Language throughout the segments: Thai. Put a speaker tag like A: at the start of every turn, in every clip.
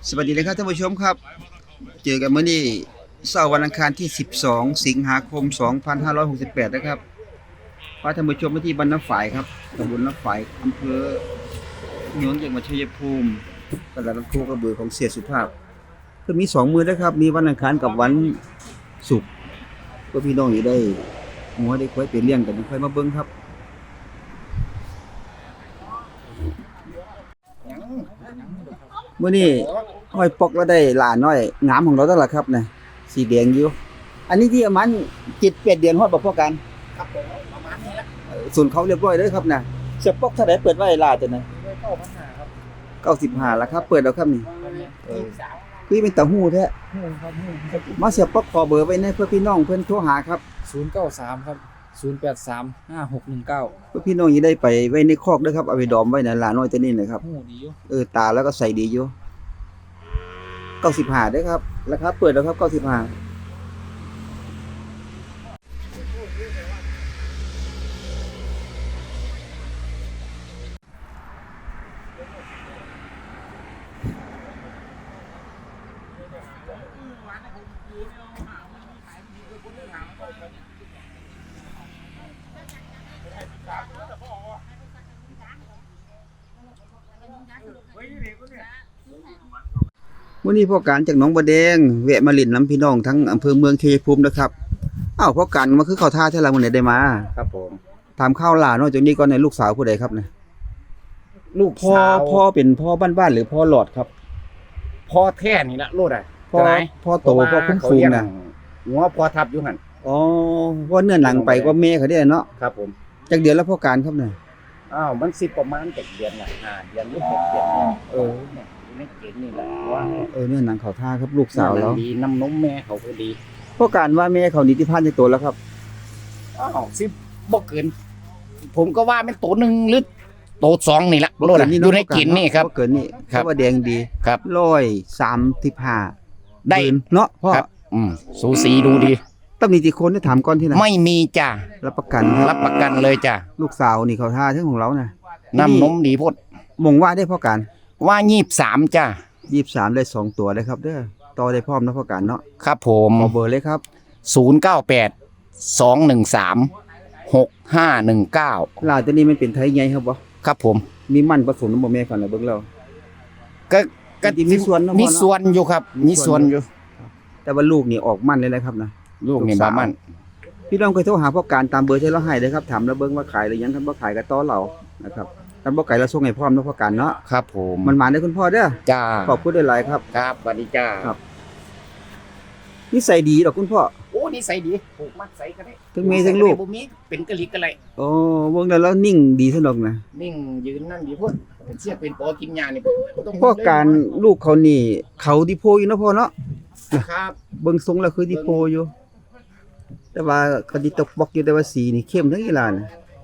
A: สวัสดีเลยครับท่านผู้ชมครับเจอกันเมื่อนี้เสาร์วันอังคารที่12สิงหาคม2568นะครับพาท่านผู้ชมมาที่บ้านน้ำฝายครับตำบลน้ำฝายอำเภอเมืองจังหวัดชัยภูมิตลาดน้ำโคกระบือของเสียสุภาพคือมี2มื้อนะครับมีวันอังคารกับวันศุกร์เพื่อพี่น้องอยู่ได้หัวได้ควายไปเลี้ยงกันค่อยมาเบิ่งครับมื้อนี้ห้อยปอกแล้วได้หลานน้อยงามของเราตั้งล่ะครับนะสีแดงอยู่อันนี้ที่ประมาณ7-8เดือนฮอดบ่พอกัน
B: ครับผมประมาณนี้ละ
A: ส่วนเขาเรียบร้อยเด้อครับนะเสียปอกเท่าใดเปิดไว้หลานตัวนั้น
B: 9,500ครับ
A: 95แล้วครับเปิดแล้วครับนี่คือเป็นตาฮู้แท้
B: ครับ
A: มาเสียปอกขอเบอร์ไว้ในเพื่อพี่น้องเพิ่นโทรหาครับ
B: 093ครับ0835619
A: เพื่อพี่น้องสิได้ไปไว้ในคอกเด้อครับเอาไปดอมไว้นะหลานน้อยตัวนี้นะครับ
B: หูดีอยู่
A: ตาแล้วก็ใส่ดีอยู่95เด้อครับราคาเปิดแล้วครับ95มื้อนี้พ่อการจากหนองบัวแดงแวะมาเล่นน้ำพี่น้องทั้งอำเภอเมืองชัยภูมินะครับอ้าวพ่อการมาคือเข้าท่าแท้ล่ะมื้อนี้ได้มา
B: ครับผม
A: ถามข้าวหลานเนาะจากนี้ก่อนในลูกสาวผู้ใดครับเนี่ย
B: ลูก
A: พ่อเป็นพ่อบ้านๆหรือพ่อหลอดครับ
B: พ่อแท้นี่ละโลดอ่ะ
A: พ่อโตพ่อคุ้มฟูงน่ะ
B: หัวพ่อทับอยู่หั่น
A: อ๋อว่าเนื้อหนังไปกว่าแม่เขาได้เนาะ
B: ครับผม
A: จักเดือนแล้วพ่อการครับเนี่ย
B: มันสิประมาณ7เดือนน่ะ5เดือนหรือ6เดือนเนี่ยในเกณฑ์นี่แหละว่า
A: เนื้อหนังเขาท่าครับลูกสาวแล้ว
B: ดีน้ำนมแม่เขาก็ดี
A: พ่อการว่าแม่เขานิติพันธ์จักโตแล้วครับ
B: สิบ่เกินผมก็ว่ามันโต1หรือโต2นี่ละโลดอยู่ในกินนี่ครับ
A: เกินนี่ครับว่าแดงดี
B: ครับ
A: 135ได้เนาะพ่อ
B: สูสีดูดี
A: ตำหนิที่คนได้ถามก่อนที่ไหน
B: ไม่มีจ้ะ
A: รับประกันครับ
B: รับประกันเลยจ้ะ
A: ลูกสาวนี่เขาท่าทั้งของเรานะ
B: น้ำนมดีพด
A: มงว่าได้พ่อการ
B: ว่า23จ้ะ
A: 23ได้2ตัวเลยครับเด้อต่อได้พร้อมนะพ่อการเนาะ
B: ครับผม
A: ขอเบอร์เลยครับ
B: 098 213 6519
A: ลาตัวนี้มันเป็นไทยใหญ่ครับบ่
B: ครับผม
A: มีมันผสมบ่แม่กันน่ะเบิ่งแล้ว
B: ก็มีส่วนอยู่ครับมีส่วนอยู่
A: แต่ว่าลูกนี่ออกมันเลยนะครับนะ
B: ลูกนี่บ่มัน
A: พี่น้องเคยโทรหาพ่อการตามเบอร์ที่เราให้เด้อครับถามแล้วเบิ่งว่าขายหรือยังครับบ่ขายก็ต่อเรานะครับถ้าบ่ขายเราส่งให้พร้อมเนาะพ่อการเนาะ
B: ครับผม
A: มันมาได้คุณพ่อเด้อ
B: จ้า
A: ขอบคุณหลายๆครับ
B: ครับสวัสดีจ้า
A: ครับนิสัยดีดอกคุณพ่อ
B: โอ้นิสัยดีผูกมัดใส่ก็ได้
A: ทั้งแม่ทั้งลูก
B: บ่มีเป็นกะลิกกะไร
A: โอ้เบิ่งแล้วนิ่งดีซะดอกนะ
B: นิ่งยืนนั่นดีพุ่นเป็นเสียเป็นปอกินยานี่
A: พ่อการลูกเขานี่เขาที่โพอยู่เนาะพ่อเนาะ
B: ครับ
A: เบิ่งทรงแล้วคือที่โพอยู่แต่ว่าก็สิตกบอกอยู่แต่ว่าสีนี่เข้มทั้งอีหลาน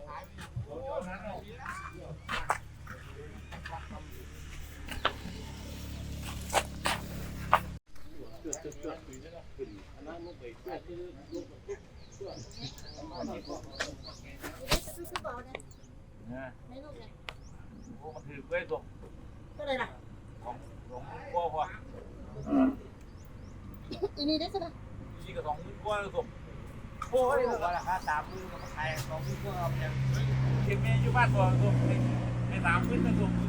C: อีนี่ได้ใช่ไหม
D: นี่ก็20,000กว่าแล้วส่งโอ้ยว่าราคา30,000ก็มาขาย20,000กว่าเอาอย่างเก็บแม่อยู่บ้านบ่ส่งให้30,000ก็ส่ง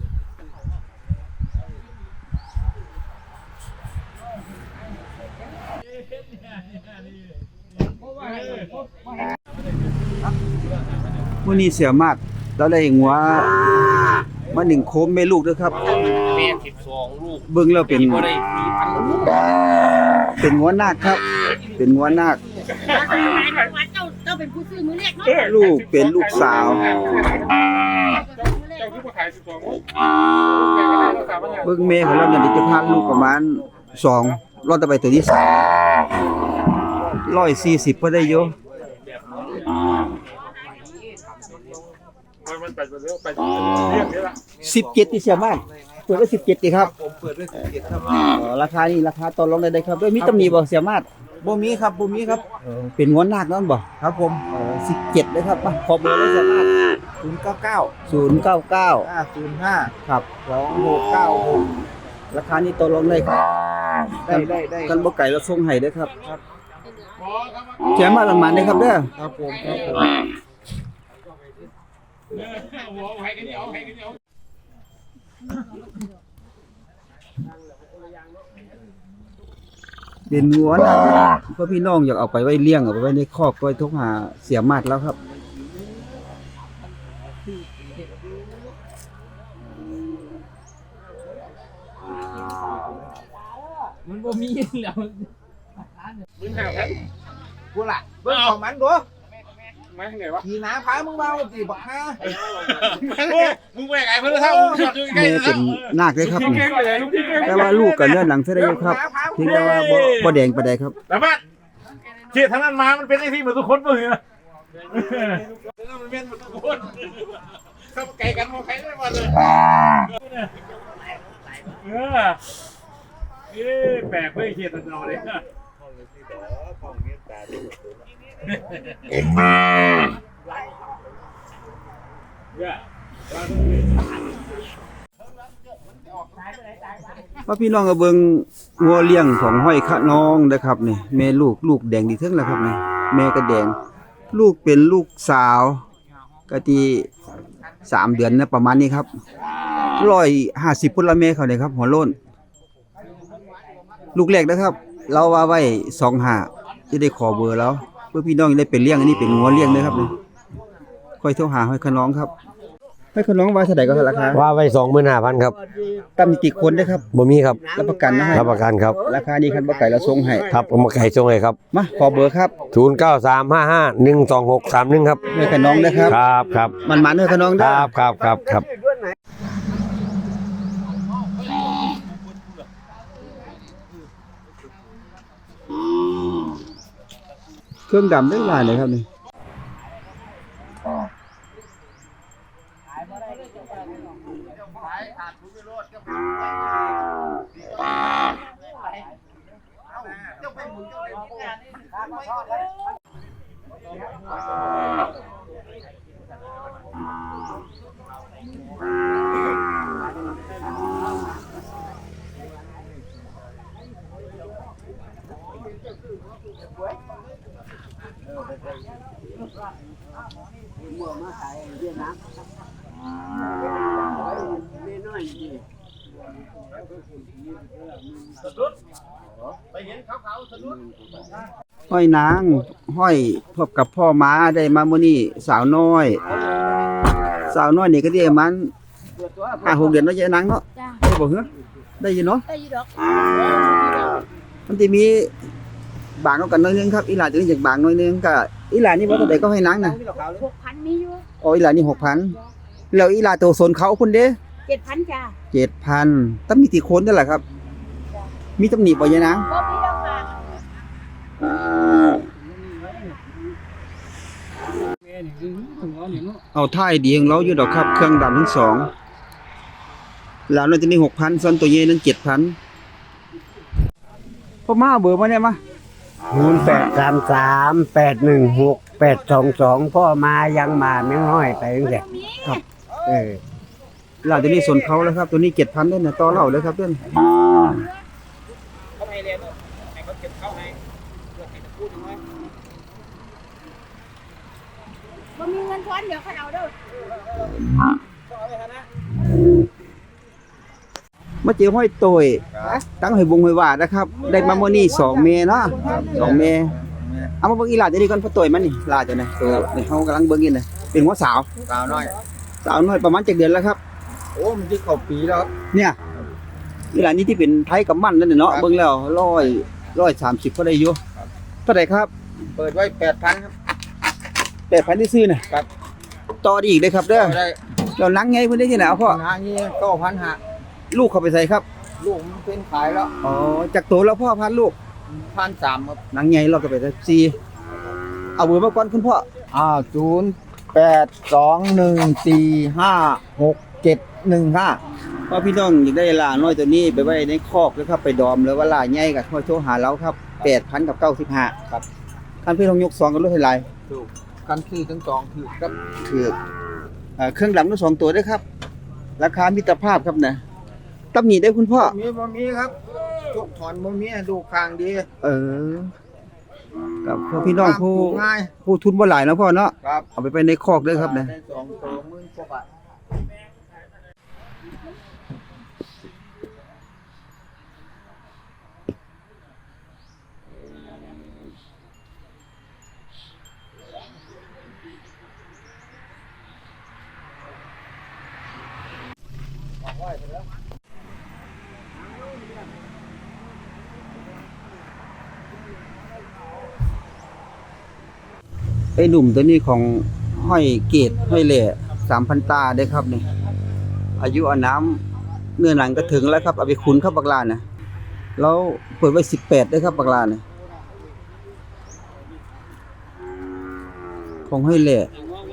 A: มื้อนี้เสียมากเราได้งัวมา1โคมแม่ลูกเด้อครับ
D: แม่12ลูก
A: เบิ่งแล้วเป็น
D: บ่ได้4,000ลูก
A: เป็นงัวนาคครับเป็นงัวนาค
C: เจ้าเป็นผู้ซื้อมือเรียกเนาะ
A: ลูกเป็นลูกสาวเบิ่งแม่ของเราเนี่ยจะพาลูกประมาณ2รอดต่อไปตัวที่140พอได้อยู่17ที่เสียมากเปิดไว้17ติครับ
D: ผมเปิดไว้17ครับ
A: ราคานี่ราคาต่อรองได้ครับด้วยมีตำหนิบ่เสียมาด
D: บ่มีครับ
A: เป็นงวนนาคนั่นบ่
D: ครับผม
A: 17เลยครับขอเบอร์เลยสามารถ
D: 099
A: 099
D: 505
A: ครับ
D: 2696
A: ราคานี้ต่อรองได้ครับ
B: ได้
A: กันบ่ไก่เราส่งให้เด้อครับแถมมาละมันเด้อครับเด้อ
B: ครับผม
A: เป็นงัวนะครับเพราะพี่น้องอยากเอาไปไว้เลี้ยงเอาไปไว้ในคอกก็ทุกหาเสียมาดแล้วครับ
E: มันบ่มีแล้ว
D: มึงหาแผน
B: กูล่ะเบิ่งของมันดู
D: มาทางไหนวะ
B: ขี่น้ำพามึงเบาสิบักฮา
D: มึงไปไงเพื่อนเท่ามึงจอดอยู่ใกล้
A: แม่
D: แล้
A: เป็นนาคเลยครับ
D: เก่งไปเลยลูกพี่เก่ง
A: แต่ว่าลูกกับเนื้อหนังเสียได้อยู่ครับเพียงแต่ว่าบ่แดงปานใดครับ
D: แต่ว่าเจี๊ยทางนั้นมามันเป็นไอ้ที่เหมือนทุกคนมึงนะแล้วมันเป็นเหมือนทุกคนเข้าไก่กันมองใครได้มาเลยแปลกไม่เขียนตันเอาเลย
A: ว่าพี่น้องก็เบิ่งงัวเลี้ยงของห้อยคะน้องนะครับนี่แม่ลูกแดงดีเทิงแล้วครับนี่แม่ก็แดงลูกเป็นลูกสาวก็ที่3 เดือนนะประมาณนี้ครับ150พุ่นละแม่เขาเนี่ยครับหัวโล้นลูกแรกนะครับ เราว่าไว้25จะได้ขอเบอร์แล้วเพื่อพี่น้องจะได้เป็นเลี้ยงอันนี้เป็นงัวเลี้ยงนะครับนี่ค่อยโทรหาห้อยคะน้องครับห้อยคะน้องว่าเท่าใดก็ราคา
F: ว่าไว้ 25,000 ครับ
A: ตำหนิติคนนะครับ
F: บ่มีครับ
A: รับประกันนะให้
F: รับประกันครับ
A: ราคานี้คันบ่ไก่เราส่งให้
F: ครับผมมาไก่ส่งให้ครับ
A: มาขอเบอร์ครับ
F: 0935512631 ครับ
A: ห้อยคะน้องนะครับ
F: ครับครับ
A: มันๆห้อยคะน้อง
F: ค
A: เด้อ
F: รับครับครับครับ
A: เครื่องดำได้หลายเลยครับนี่ห้อยนางห้อยพบกับพ่อม้าได้มามื้อนี้สาวน้อยนี่ก็ได้มัน5-6 เดือนเนาะยายนางเนาะ
C: จ้า
A: ได้บ่เหรอได้อยู่เนาะ
C: ได้อยู่ดอก
A: มันสิมีบางเอากันหน่อยนึงครับอีหลาตัวนี้จากบางหน่อยนึงก็อีหลานี่บ่เท่าใดก็ให้นางน่ะ
C: 6,000มีอยู่
A: อ๋ออีหลานี่ 6,000 แล้วอีหลาตัวสนเขาพุ่นเด้
C: 7,000จ้า
A: 7,000ต้องมีติโคนนั่นแหละครับ มีตำหนิบ่ยายนาง
C: บ่มีดอกค่ะ
A: เอาท่ายดีของเราอยู่ดอกครับ เครื่องดำทั้งสองแล้วนั่นจะมี 6,000ส่วนตัวเย่นั้น 7,000พ่อมาเอาเบอร์มาเนี่ยมา
F: 0833816822พ่อมายังมาไม่ห้อยไปจังซี่
A: ครับ
F: เออ
A: หลังจากนี้สนเขาแล้วครับ ตัวนี้ 7,000ด้วยนะต่อเล่าเลยครับเด้อ
C: บ่มีเงินทอนเดี๋ยวเขาเอาเด้อ
A: มาเจอห้อยโตยตั้งให้วงให้ว่านะครับ ได้มามื้อนี้2 เมษเนาะ2 เมษเอามาเบิ่งอีหลาตัวนี้ก่อนพ่อโตยมันนี่ลาตัวนี้ตัวนี่เฮากำลังเบิ่งอยู่นี่เป็นหัวสาว
B: สาวน้อย
A: สาวน้อยประมาณ7 เดือนแล้วครับ
B: โอ้มันที่เข้าปีแล้วครับ
A: เนี่ยเวลานี้ที่เป็นไทยกับมันนั่นน่ะเนาะ
B: ครับ
A: เบิ่งแล้ว130ก็ได้อยู่เท่าไหร่ครับ
B: เปิดไว้ 8,000 ครับ
A: 8,000ที่ซื้อน่ะ
B: ครับ
A: ต่อได้อีกเด้อครับเด้อ
B: ได้
A: เรานังไงเพิ่นได้ที่ไหนเอาพ่อ
B: หางี้9,000หา
A: ลูกเข้าไปใส่ครับ
B: ลูกมันเป็นขายแล้ว
A: อ๋อจากโตแล้วพ่อพันลูก
B: 1,300 ครับ
A: นังไงเราก็ไปใส่ซีเอาเบอร์มาก่อนคุณพ่อ
B: 0821456715
A: พอพี่น้องอยากได้ลาน้อยตัวนี้ไปไว้ในคอกนะครับไปดอมแล้วว่าลาใหญ่ก็ค่อยโทรหาเราครับ 8,000 กับ 95ครับท่านพี่น้องยก2กันรถให้หลาย
B: ถูกกันคือทั้งสองคือครับ
A: คือเครื่องดำทั้ง2ตัวด้วยครับ ราคามิตรภาพครับนะตำหนิได้คุณพ่อ
B: บ่มีครับทุกถอนบ่มีดูคางดี
A: เออกับพวกพี่น้องผู้
B: ง่าย
A: ผู้ทุนบ่หลายเนาะพ่อเนาะ
B: ครับ
A: เอาไปในคอกเด้อครับนะ
B: ได้2ตัว10,000กว่าบาท
A: ไอ้หนุ่มตัวนี้ของห้อยเกตห้อยแหล่3,000 ตาเด้อครับนี่อายุอาน้ำเนื้อหนังก็ถึงแล้วครับเอาไปขุนครับบักลาน่ะแล้วเปิดไว้18เด้อครับบักลาน่ะของห้อยแหล่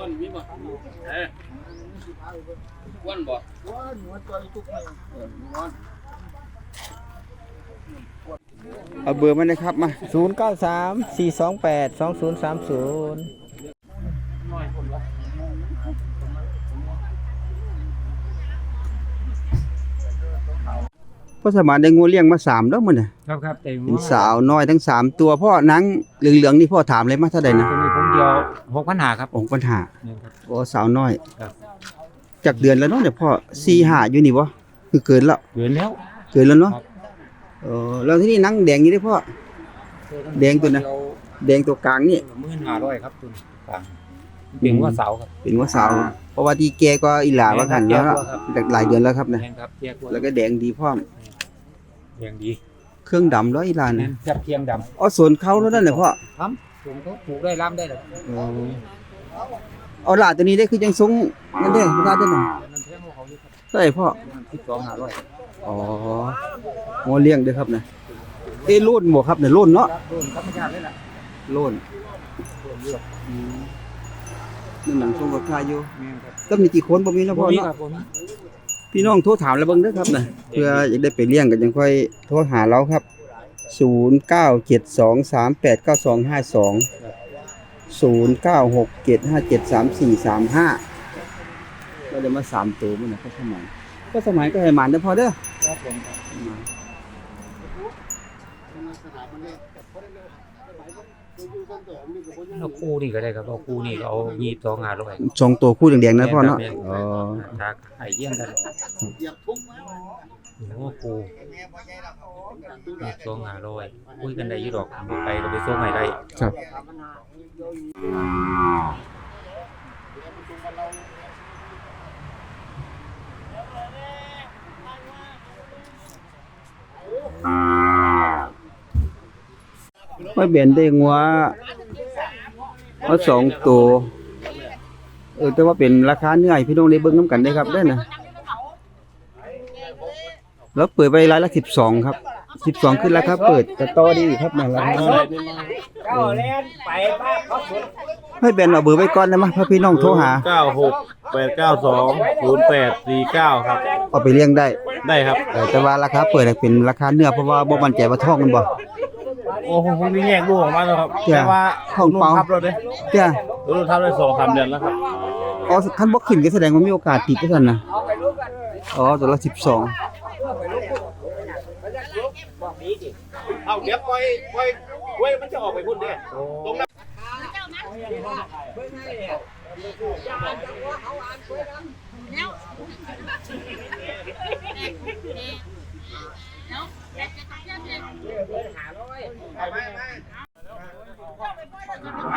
A: เอาเบอร์มาเลยครับมา
E: 0934282030
A: พ่อสมานได้งูเลี้ยงมา3แล้วมื้อน่ะ
E: ครับแต่
A: เป็นสาวน้อยทั้ง3ตัวพ่อหนังเหลืองๆนี่พ่อถามเลยมาเท่าใดนะ
E: ตรงนี้ผมเดียว6,500ครับ
A: องค์ปัญหา
E: นี่ครับ
A: โอ้สาวน้อย
E: ครับ
A: จากเดือนแล้วเนาะเดี๋ยวพ่อ4-5อยู่นี่บ่คือเกินแล้ว
E: เดือนแล้ว
A: เกินแล้วเนาะ
E: ครับ
A: แล้วที่นี่หนังแดงนี่ได้อพ่อ แดงตัวนะ แดงตัวกลางนี่
E: 15,000ครับตัวกลางเป็นว่าเสาครับ
A: เป็นว่าสาว เพราะว่าที่แกก็อีหลาว่ากันแล้วหลายเดือนแล้วครับนะ
E: แม่นครับเทียกว่า
A: แล้วก็แดงดีพร้อม
E: แดงดี
A: เครื่องดำแล้วอีหลา
E: แม่
A: นะ
E: นจับเทียงดำ
A: อ๋อสวนเขาแล้วนั่นแหละพ่อ
E: ผมก็ปลูกได้ล้ำได้เลย
A: เอาหลาตัวนี้ได้คือยังทรงนั่นเด้อบ่ได้เด้อน่ะ
E: มันแพงกว่าเขาอยู่ครับ
A: ใช่พ่อ
E: 12,500
A: อ๋องัวเลี้ยงเด้อครับนะโล่นบ่ครับเนี่ยโล่นเนาะ
E: โดนธรรมชาติเลยล่ะ
A: โล่น
E: โดนเลือก
A: นี่หนังทรงกับคาอยู่
E: แม่นครับ
A: ต้องมีกี่คนบ่มีนะพ่อ
E: มี
A: เนาะ
E: ครับผม
A: พี่น้องโทรถามแล้วเบิ่งเด้อครับนะเพื่ออยากได้ไปเลี้ยงก็ยังค่อยโทรหาเราครับ0972389252 0967573435ก็ได้มา3ตัวมื้อน่ะก็สมัยก็ให้หมานเด้อพ่อเด้อ
E: ครับผม เอาคู่นี่ก็ได้ครับเอาคู่นี่ก็เอา22,500
A: สองตัวคู่แดงๆนะพ่อเนาะอ๋อ
E: ถ้าไอ้เยี่ยงกันโอ้คู่22,500คุยกันได้อยู่ดอกบ่ไปก็ไปส่งให้ได้
A: ครับไม่เบนได้งัวเอา2ตัวแต่ว่าเป็นราคาเนื้อให้พี่น้องได้เบิ่งนํกันได้ครับได้นะแล้วเปิดไปรายละ12ครับ12ขึ้นราคาเปิดก็ต่อดีครับนะราคาให้แบนเอาเบอร์ไว้ก่อนได้มั้ยเพื่อพี่น้องโทรหา
D: 9689208449ครับ
A: เอาไปเลี้ยงได้
D: ได้ครับ
A: แต่ว่าราคาเปิดเป็นราคาเนื้อเพราะว่าบ่มั่นใจว่าท้องมันบ่
D: โอ้โหผมนี่แยกลูกออกมาแล้วครับ
A: จ้ะ
D: แต่ว่า
A: ของเปล่า
D: ทับเราเด้
A: จ้ะ
D: ลูกทับได้2-3 เดือนแล้วครับ
A: อ๋อคันบ่ขึ้นก็แสดงว่ามีโอกาสติดจังซั่นน่ะอ๋อตัวละ12
D: เอาเดี๋ยวปล่อยเว้ยมันจะออกไปพุ่นเด้ตรงนั้น
C: แล้ว